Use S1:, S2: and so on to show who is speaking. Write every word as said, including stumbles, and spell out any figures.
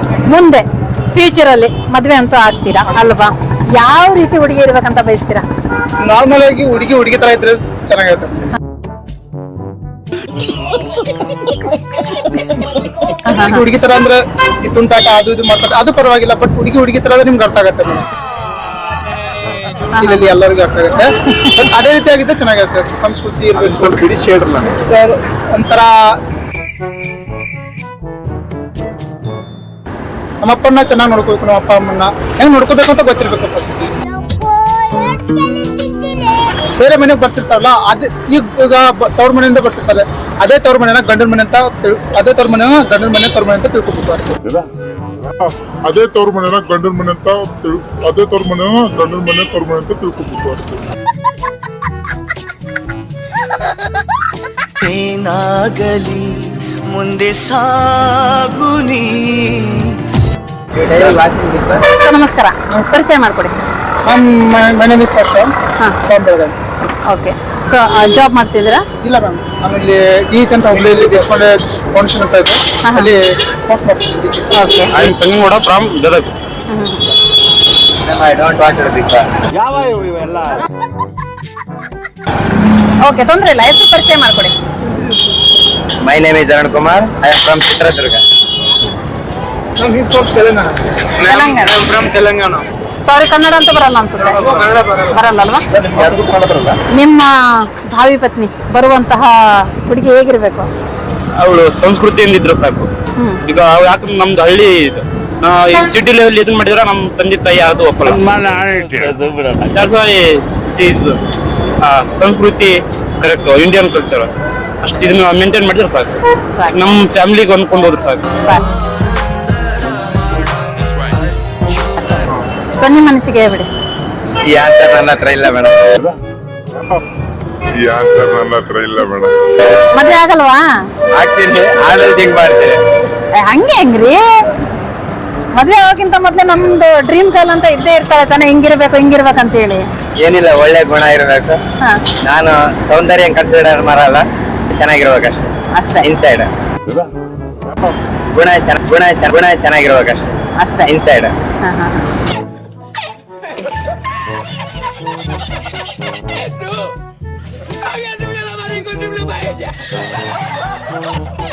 S1: ಮುಂದೆ ಫ್ಯೂಚರ್ ಅಲ್ಲಿ ಮದ್ವೆ ಅಂತೂ ಆಗ್ತೀರಾ ಅಲ್ವಾ? ಯಾವ ರೀತಿ ಹುಡುಗಿ ಇರ್ಬೇಕಂತ ಬಯಸ್ತೀರಾ?
S2: ನಾರ್ಮಲ್ ಆಗಿ ಹುಡುಗಿ ಹುಡುಗಿ ತರ ಇದ್ರೆ ಚೆನ್ನಾಗಿರುತ್ತೆ. ಹುಡುಗಿ ಹುಡುಗಿ ತರ ಅಂದ್ರೆ ಈ ತುಂಟಾಟ ಅದು ಇದು ಮಾಡ್ತಾರೆ, ಅದು ಪರವಾಗಿಲ್ಲ. ಬಟ್ ಹುಡುಗಿ ಹುಡುಗಿ ತರ ನಿಮ್ಗೆ ಅರ್ಥ ಆಗತ್ತೆ ಮೇಡಮ್, ಇಲ್ಲಿ ಎಲ್ಲರಿಗೂ ಅರ್ಥ ಆಗುತ್ತೆ. ಬಟ್ ಅದೇ ರೀತಿ ಆಗಿದ್ದೆ ಚೆನ್ನಾಗಿರುತ್ತೆ. ಸಂಸ್ಕೃತಿ ಇರ್ಬೇಕು ಸರ್. ಒಂಥರ ನಮ್ಮಪ್ಪನ್ನ ಚೆನ್ನಾಗಿ ನೋಡ್ಕೋಬೇಕು, ನಮ್ಮ ಅಪ್ಪ ಅಮ್ಮನ್ನ ಹೆಂಗ್ ನೋಡ್ಕೋಬೇಕು ಅಂತ ಗೊತ್ತಿರ್ಬೇಕು ಫಸ್ಟ್. ಬೇರೆ ಮನೆಗೆ ಬರ್ತಿರ್ತಾರಲ್ಲ, ಅದೇ ಈಗ ಈಗ ತವ್ರ ಮನೆಯಿಂದ ಬರ್ತಿರ್ತಾರೆ, ಅದೇ ತವ್ರ ಮನೆನ ಗಂಡನ ಮನೆ ಅಂತ ಅದೇ ತವ್ರ ಮನೆನ ಗಂಡನ ಮನೆ ತವ್ರ ಮನೆ ಅಂತ ತಿಳ್ಕೊಬೇಕು ಅಷ್ಟೇ.
S3: ಅದೇ ತವ್ರ ಮನೆನ ಗಂಡನ ಮನೆ ಅಂತ ಅದೇ ತವ್ರ ಮನೆನ ಗಂಡನ ಮನೆ ತವ್ರ ಮನೆ ಅಂತ ತಿಳ್ಕೊಬೇಕು ಅಷ್ಟೇ.
S4: ಏನಾಗಲಿ ಮುಂದೆ ಸಾಗುನಿ.
S1: ನಮಸ್ಕಾರ, ಪರಿಚಯ ಮಾಡ್ಕೊಡಿ.
S2: My name is Parshan from Belagavi.
S1: Okay, so job ಮಾಡ್ತಿದ್ದೀರಾ?
S2: ಇಲ್ಲ ಮ್ಯಾಮ್, ಆಮೇಲೆ ಗೀತ್ ಅಂತ ಹುಬ್ಳಿಯಲ್ಲಿ ದೇಶಪಾಂಡೆ ಫೌಂಡೇಶನ್ ಅಂತ ಇದೆ, ಅಲ್ಲಿ ಪಾಸ್ ಮಾಡ್ತಿದ್ದೀನಿ.
S1: Okay,
S5: I am Sangamagouda from Gadag.
S6: I don't want to Bigg Boss.
S5: ಯಾವ ಇವೆಲ್ಲ
S1: ಓಕೆ, ತೊಂದ್ರೆ ಇಲ್ಲ. ಹೆಸರು ಪರಿಚಯ ಮಾಡ್ಕೊಡಿ.
S6: My name is Arun Kumar. I am from Chitradurga.
S2: Ma'am is from Telangana.
S1: Telangana.
S5: From Telangana.
S1: Sorry, Kannada ಅಂತ ಬರಲ್ಲ ಅನ್ಸುತ್ತೆ.
S2: ಕನ್ನಡ ಬರಲ್ಲ.
S1: ಬರಲ್ಲ ಅಲ್ವಾ?
S2: ಯಾರಿಗೂ ಕನ್ನಡ ಬರಲ್ಲ.
S1: ನಿಮ್ಮ ಭಾವಿ ಪತ್ನಿ ಬರುವಂತಹ ಹುಡುಗಿ ಹೇಗಿರ್ಬೇಕು?
S5: ಅವಳು ಸಂಸ್ಕೃತಿಯಿಂದ ಇದ್ರೆ ಸಾಕು. ಈಗ ಯಾಕಂದ್ರೆ ನಮ್ದು ಹಳ್ಳಿ ಇದು, ಈ ಸಿಟಿ ಲೆವೆಲ್ ಇದನ್ನ ಮಾಡಿದ್ರೆ ನಮ್ಮ ತಂದೆ ತಾಯಿ ಯಾವುದು ಒಪ್ಪಲ್ಲ. That's why she is, ಆ, ಸಂಸ್ಕೃತಿ ಕರೆಕ್ಟ್ ಇಂಡಿಯನ್ ಕಲ್ಚರ್ ಅಷ್ಟು ಇದನ್ನ ಮೇಂಟೈನ್ ಮಾಡಿದ್ರೆ ಸಾಕು. ನಮ್ಮ ಫ್ಯಾಮಿಲಿಗೆ ಹೊಂದ್ಕೊಂಡು ಹೋದ್ರೆ ಸಾಕು.
S1: ಸೊ ನಿಮ್ಮ ಮನಸ್ಸಿಗೆ ಹೇಳ್ಬಿಡಿ.
S6: ಈ ಆನ್ಸರ್ ನನ್ನ ಹತ್ರ ಇಲ್ಲ ಮೇಡಮ್.
S3: ಈ ಆನ್ಸರ್ ನನ್ನ ಹತ್ರ ಇಲ್ಲ ಮೇಡಮ್.
S1: ಮದ್ವೆ ಆಗಲ್ವಾ?
S6: ಆಗ್ತೀನಿ, ಆಮೇಲೆ ಥಿಂಕ್ ಮಾಡ್ತೀನಿ.
S1: ಏ, ಹಂಗೆ ಹೆಂಗ್ರಿ? ಮದ್ವೆ ಆಗೋಕ್ಕಿಂತ ಮೊದ್ಲೇ ನಮ್ದು ಡ್ರೀಮ್ ಗರ್ಲ್ ಅಂತ ಇದ್ದೇ ಇರ್ತಾಳೆ ತಾನೆ, ಹಿಂಗಿರ್ಬೇಕು ಹಿಂಗಿರ್ಬೇಕಂತ ಹೇಳಿ.
S6: ಏನಿಲ್ಲ, ಒಳ್ಳೆ ಗುಣ ಇರಬೇಕು.
S1: ಹಾ,
S6: ನಾನು ಸೌಂದರ್ಯ ಕನ್ಸಿಡರ್ ಮಾಡಲ್ಲ, ಚೆನ್ನಾಗಿರ್ಬೇಕಷ್ಟೇ
S1: ಅಷ್ಟೇ
S6: ಇನ್ಸೈಡ್. ಗುಣ ಚೆನ್ನ- ಗುಣ ಚೆನ್ನ- ಗುಣ ಚೆನ್ನಾಗಿರ್ಬೇಕಷ್ಟೇ
S1: ಅಷ್ಟೇ.
S6: ಇನ್ಸೈಡ್.
S1: ಹಾ, ಹಾ, ಹಾ.
S7: Haga una la mano y con un